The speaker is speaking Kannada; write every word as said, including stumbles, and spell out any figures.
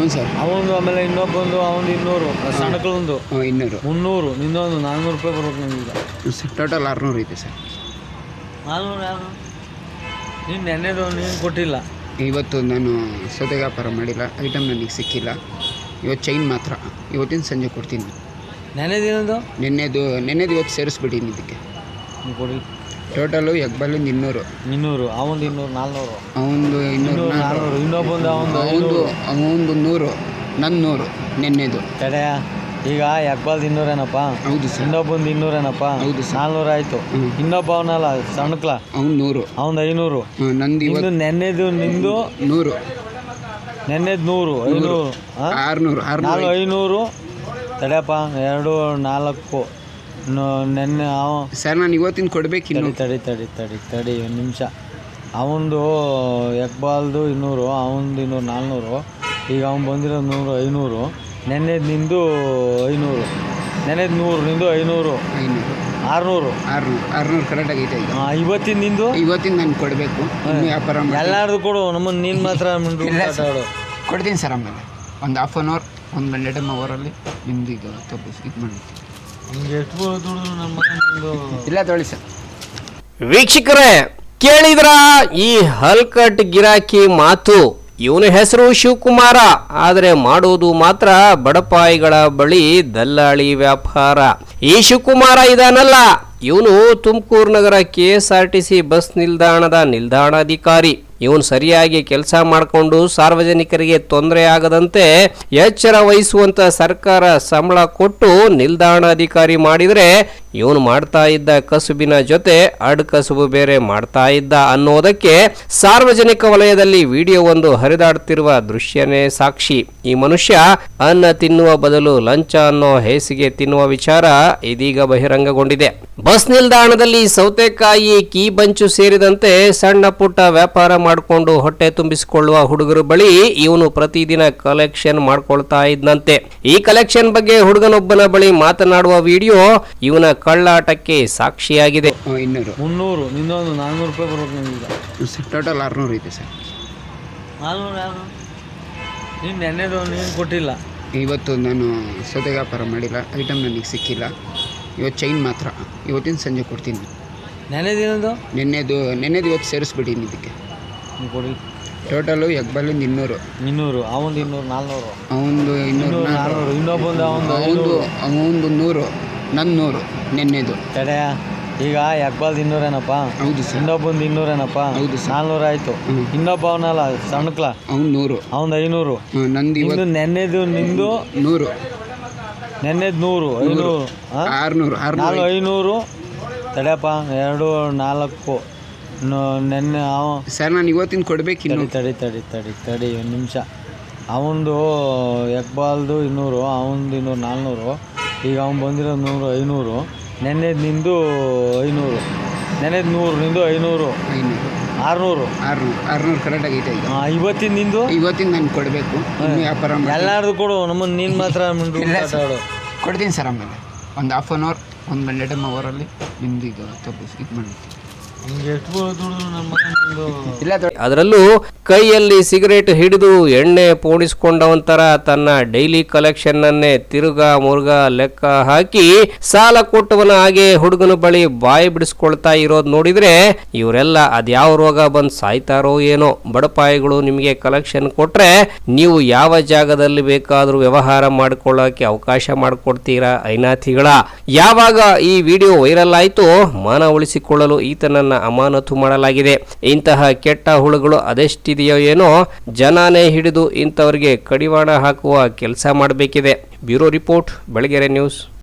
ಸರ್. ಅವನು ಆಮೇಲೆ ಇನ್ನೊಬ್ಬಂದು ಅವನು ಇನ್ನೂರು ಸಣ್ಣಕ್ಕೊಂದು ಹಾಂ ಇನ್ನೂರು ಮುನ್ನೂರು ನಿನ್ನೊಂದು ನಾನ್ನೂರು ರೂಪಾಯಿ ಬರ್ಬೇಕು ನನಗೀಗ. ಸರ್ ಟೋಟಲ್ ಆರುನೂರು ಐತೆ ಸರ್. ನಾನ್ನೂರು ಯಾರು ನೀನು ನೆನ್ನೆದು ನೀನು ಕೊಟ್ಟಿಲ್ಲ. ಇವತ್ತು ನಾನು ಸೌದೆ ವ್ಯಾಪಾರ ಮಾಡಿಲ್ಲ, ಐಟಮ್ ನನಗೆ ಸಿಕ್ಕಿಲ್ಲ. ಇವತ್ತು ಚೈನ್ ಮಾತ್ರ ಇವತ್ತಿನ ಸಂಜೆ ಕೊಡ್ತೀನಿ. ನೆನ್ನೆದೇನದು ನೆನ್ನೆದು ನೆನ್ನೆದು ಇವತ್ತು ಸೇರಿಸ್ಬಿಟ್ಟಿನಿ ಇದಕ್ಕೆ. ನೀವು ಕೊಡಿ. ಟೋಟಲು ಎಗ್ಬಾಲಿಂದ ಇನ್ನೂರು ಇನ್ನೂರು ಅವನು ಇನ್ನೂರು ನಾಲ್ನೂರು ಅವನದು ಇನ್ನೂರು ನಾನ್ನೂರು ಇನ್ನೊಬ್ಬಂದು ಅವನು ಅವನದು ಅವನದು ನೂರು ನನ್ನ ನೂರು ನೆನ್ನೆದು ಕಡೆ. ಈಗ ಎಕ್ಬಾಲ್ದು ಇನ್ನೂರೇನಪ್ಪ? ಹೌದು ಸರ್. ಇನ್ನೊಬ್ಬಂದು ಇನ್ನೂರೇನಪ್ಪ? ಹೌದು ಸರ್. ನಾಲ್ನೂರು ಆಯಿತು. ಇನ್ನೊಬ್ಬ ಅವನಲ್ಲ ಸಣ್ಣಕ್ಲ ಅವ್ನು ನೂರು ಅವನು ಐನೂರು. ನಂದು ನಿಂದು ಇವತ್ತು ನೆನ್ನೆದು ನಿಂದು ನೂರು ನೆನ್ನೆದು ನೂರು ಐನೂರು ಆರುನೂರು ನಾಲ್ಕು ಆರುನೂರು ಐನೂರು ತಡೆಯಪ್ಪ ಎರಡು ನಾಲ್ಕು ನ- ನೆನ್ನೆ ಅವ ಸರ್ ನಾನು ಇವತ್ತಿನ ಕೊಡ್ಬೇಕು ತಡಿ ಇನ್ನು. ತಡಿ ತಡಿ ತಡಿ ತಡಿ ಒಂದು ನಿಮಿಷ. ಅವನದು ಎಕ್ಬಾಲ್ದು ಇನ್ನೂರು ಅವನದು ಇನ್ನೂರು ನಾಲ್ನೂರು. ಈಗ ಅವ್ನು ಬಂದಿರೋದು ನೂರು ಐನೂರು. ನೆನ್ನೆದು ನಿಂದು ಐನೂರು. ನೆನ್ನೆದು ನೂರು ನಿಂದು ಐನೂರು ಐನೂರು ಆರುನೂರು ಆರುನೂರು ಆರುನೂರು ಕರೆಕ್ಟಾಗಿ ಐತೆ ಈಗ. ಇವತ್ತಿನ ನಿಂದು ಇವತ್ತಿನ ನಾನು ಕೊಡಬೇಕು ಇನ್ನು ವ್ಯಾಪಾರ ಮಾಡಿ. ಎಲ್ಲಾರ್ದು ಕೊಡು ನಮ್ಮನ್ನು ನೀನು ಮಾತ್ರ ಮಾತಾಡು. ಕೊಡ್ತೀನಿ ಸರ್. ಆಮೇಲೆ ಒಂದು ಹಾಫ್ ಆನ್ ಅವರ್ ಒಂದು ಗಂಟೆ ಅವರಲ್ಲಿ ನಿಮ್ದು ಇದು ತಪ್ಪಿಸಿ ಇದು ಮಾಡಿ. ನಿಮ್ಗೆ ಎಷ್ಟು ದುಡಿದ್ರು ನಮ್ಮ ಮಗ ನಿಂದು ಇಲ್ಲ ತೊಳಿ ಸರ್. ವೀಕ್ಷಕರೇ ಕೇಳಿದ್ರ ಈ ಹಲ್ಕಟ್ ಗಿರಾಕಿ ಮಾತು. ಇವನ ಹೆಸರು ಶಿವಕುಮಾರ, ಆದರೆ ಮಾಡೋದು ಮಾತ್ರ ಬಡಪಾಯಿಗಳ ಬಳಿ ದಲ್ಲಾಳಿ ವ್ಯಾಪಾರ. ಈ ಶಿವಕುಮಾರ ಇದಾನಲ್ಲ, ಇವನು ತುಮಕೂರು ನಗರ K S R T C bus ನಿಲ್ದಾಣದ ನಿಲ್ದಾಣಾಧಿಕಾರಿ. ಇವನು ಸರಿಯಾಗಿ ಕೆಲಸ ಮಾಡಿಕೊಂಡು ಸಾರ್ವಜನಿಕರಿಗೆ ತೊಂದರೆ ಆಗದಂತೆ ಎಚ್ಚರ ವಹಿಸುವಂತ ಸರ್ಕಾರ ಸಂಬಳ ಕೊಟ್ಟು ನಿಲ್ದಾಣಾಧಿಕಾರಿ ಮಾಡಿದರೆ ಇವನು ಮಾಡ್ತಾ ಇದ್ದ ಕಸುಬಿನ ಜೊತೆ ಅಡ್ ಕಸುಬು ಬೇರೆ ಮಾಡ್ತಾ ಇದ್ದ ಅನ್ನೋದಕ್ಕೆ ಸಾರ್ವಜನಿಕ ವಲಯದಲ್ಲಿ ವಿಡಿಯೋ ಒಂದು ಹರಿದಾಡುತ್ತಿರುವ ದೃಶ್ಯನೇ ಸಾಕ್ಷಿ. ಈ ಮನುಷ್ಯ ಅನ್ನ ತಿನ್ನುವ ಬದಲು ಲಂಚ ಅನ್ನೋ ಹೇಸಿಗೆ ತಿನ್ನುವ ವಿಚಾರ ಇದೀಗ ಬಹಿರಂಗಗೊಂಡಿದೆ. ಬಸ್ ನಿಲ್ದಾಣದಲ್ಲಿ ಸೌತೆಕಾಯಿ, ಕೀ ಬಂಚು ಸೇರಿದಂತೆ ಸಣ್ಣ ಪುಟ್ಟ ವ್ಯಾಪಾರ ಮಾಡಿಕೊಂಡು ಹೊಟ್ಟೆ ತುಂಬಿಸಿಕೊಳ್ಳುವ ಹುಡುಗರ ಬಳಿ ಇವನು ಪ್ರತಿದಿನ ಕಲೆಕ್ಷನ್ ಮಾಡ್ಕೊಳ್ತಾ ಇದ್ದಂತೆ. ಈ ಕಲೆಕ್ಷನ್ ಬಗ್ಗೆ ಹುಡುಗನೊಬ್ಬನ ಬಳಿ ಮಾತನಾಡುವ ವಿಡಿಯೋ ಇವನ ಕಳ್ಳಾಟಕ್ಕೆ ಸಾಕ್ಷಿಯಾಗಿದೆ. ಇನ್ನೂರು ಮುನ್ನೂರು ನಿನ್ನೊಂದು ನಾನ್ನೂರು ರೂಪಾಯಿ ಬರ್ಬೇಕು ನನಗೀಗ. ಸರ್ ಟೋಟಲ್ ಆರುನೂರು ಐತೆ ಸರ್. ನಾನ್ನೂರು ಯಾರು ನೀನು ನೆನ್ನೆದು ನೀನು ಕೊಟ್ಟಿಲ್ಲ. ಇವತ್ತು ನಾನು ಸೌದೆ ವ್ಯಾಪಾರ ಮಾಡಿಲ್ಲ, ಐಟಮ್ ನನಗೆ ಸಿಕ್ಕಿಲ್ಲ. ಇವತ್ತು ಚೈನ್ ಮಾತ್ರ ಇವತ್ತಿನ ಸಂಜೆ ಕೊಡ್ತೀನಿ. ನೆನ್ನೆದೇನದು ನೆನ್ನೆದು ನೆನ್ನೆದು ಇವತ್ತು ಸೇರಿಸ್ಬಿಟ್ಟಿನಿ ಇದಕ್ಕೆ. ನೀವು ಕೊಡಿ. ಟೋಟಲು ಎಗ್ಬಾಲಿಂದ ಇನ್ನೂರು ಇನ್ನೂರು ಅವನದು ಇನ್ನೂರು ನಾಲ್ನೂರು ಅವನದು ಇನ್ನೂರು ಇನ್ನೂರು ನಾನ್ನೂರು ಇನ್ನೊಬ್ಬಂದು ಅವನು ಅವನದು ಅವನದು ನೂರು ನನ್ನ ನೂರು ನೆನ್ನೆದು ಕಡೆ. ಈಗ ಎಕ್ಬಾಲ್ದು ಇನ್ನೂರೇನಪ್ಪ? ಹೌದು ಸರ್. ಇನ್ನೊಬ್ಬಂದು ಇನ್ನೂರೇನಪ್ಪ? ಹೌದು ಸರ್. ನಾಲ್ನೂರು ಆಯಿತು. ಇನ್ನೊಬ್ಬ ಅವನಲ್ಲ ಸಣ್ಣಕ್ಲ ಅವ್ನು ನೂರು ಅವನು ಐನೂರು. ನಂದು ನಿಂದು ಇವತ್ತು ನೆನ್ನೆದು ನಿಂದು ನೂರು ನೆನ್ನೆದು ನೂರು ಐನೂರು ಆರುನೂರು ನಾಲ್ಕು ಆರುನೂರು ಐನೂರು ತಡೆಯಪ್ಪ ಎರಡು ನಾಲ್ಕು ನ- ನೆನ್ನೆ ಅವ ಸರ್ ನಾನು ಇವತ್ತಿನ ಕೊಡ್ಬೇಕು ಇನ್ನು. ತಡಿ ತಡಿ ತಡಿ ತಡಿ ತಡಿ ಒಂದು ನಿಮಿಷ. ಅವನದು ಎಕ್ಬಾಲ್ದು ಇನ್ನೂರು ಅವನದು ಇನ್ನೂರು ನಾಲ್ನೂರು. ಈಗ ಅವ್ನು ಬಂದಿರೋದು ನೂರು ಐನೂರು. ನೆನ್ನೆದು ನಿಂದು ಐನೂರು. ನೆನ್ನೆದು ನೂರು ನಿಂದು ಐನೂರು ಐನೂರು ಆರುನೂರು ಆರುನೂರು ಆರುನೂರು ಕರೆಕ್ಟಾಗಿ ಐತೆ ಈಗ. ಇವತ್ತಿನ ನಿಂದು ಇವತ್ತಿನ ನಾನು ಕೊಡಬೇಕು ಇನ್ನು ವ್ಯಾಪಾರ ಮಾಡಿ. ಎಲ್ಲಾರ್ದು ಕೊಡು ನಮ್ಮನ್ನು ನೀನು ಮಾತ್ರ ಮಾತಾಡು. ಕೊಡ್ತೀನಿ ಸರ್. ಆಮೇಲೆ ಒಂದು ಹಾಫ್ ಆನ್ ಅವರ್ ಒಂದು ಗಂಟೆ ಅವರಲ್ಲಿ ನಿಮ್ದು ಇದು ತಪ್ಪಿಸಿ ಇದು ಮಾಡಿ. ನಿಮ್ಗೆ ಎಷ್ಟು ದುಡಿದ್ರು ನಮ್ಮ ಮಗ ನಿಂದು ಇಲ್ಲ ತೊಳಿ. ಅದರಲ್ಲೂ ಕೈಯಲ್ಲಿ ಸಿಗರೇಟ್ ಹಿಡಿದು ಎಣ್ಣೆ ಪೋಣಿಸಿಕೊಂಡವಂತರ ತನ್ನ ಡೈಲಿ ಕಲೆಕ್ಷನ್ ಅನ್ನೇ ತಿರುಗಾ ಮುರುಗಾ ಲೆಕ್ಕ ಹಾಕಿ ಸಾಲ ಕೊಟ್ಟವನ ಹಾಗೆ ಹುಡುಗನ ಬಳಿ ಬಾಯಿ ಬಿಡಿಸ್ಕೊಳ್ತಾ ಇರೋದು ನೋಡಿದ್ರೆ ಇವರೆಲ್ಲ ಅದ್ಯಾವ ರೋಗ ಬಂದು ಸಾಯ್ತಾರೋ ಏನೋ. ಬಡಪಾಯಿಗಳು ನಿಮಗೆ ಕಲೆಕ್ಷನ್ ಕೊಟ್ರೆ ನೀವು ಯಾವ ಜಾಗದಲ್ಲಿ ಬೇಕಾದ್ರೂ ವ್ಯವಹಾರ ಮಾಡ್ಕೊಳ್ಳೋಕೆ ಅವಕಾಶ ಮಾಡಿಕೊಡ್ತೀರಾ ಐನಾಥಿಗಳ? ಯಾವಾಗ ಈ ವಿಡಿಯೋ ವೈರಲ್ ಆಯ್ತು ಮಾನ ಉಳಿಸಿಕೊಳ್ಳಲು ಈತನನ್ನ ಅಮಾನತು ಮಾಡಲಾಗಿದೆ. ಇಂತಹ ಕೆಟ್ಟ ಹುಳುಗಳು ಅದೆಷ್ಟಿದೆಯೋ ಏನೋ, ಜನನೇ ಹಿಡಿದು ಇಂಥವರಿಗೆ ಕಡಿವಾಣ ಹಾಕುವ ಕೆಲಸ ಮಾಡಬೇಕಿದೆ. Bureau report, Belagere news.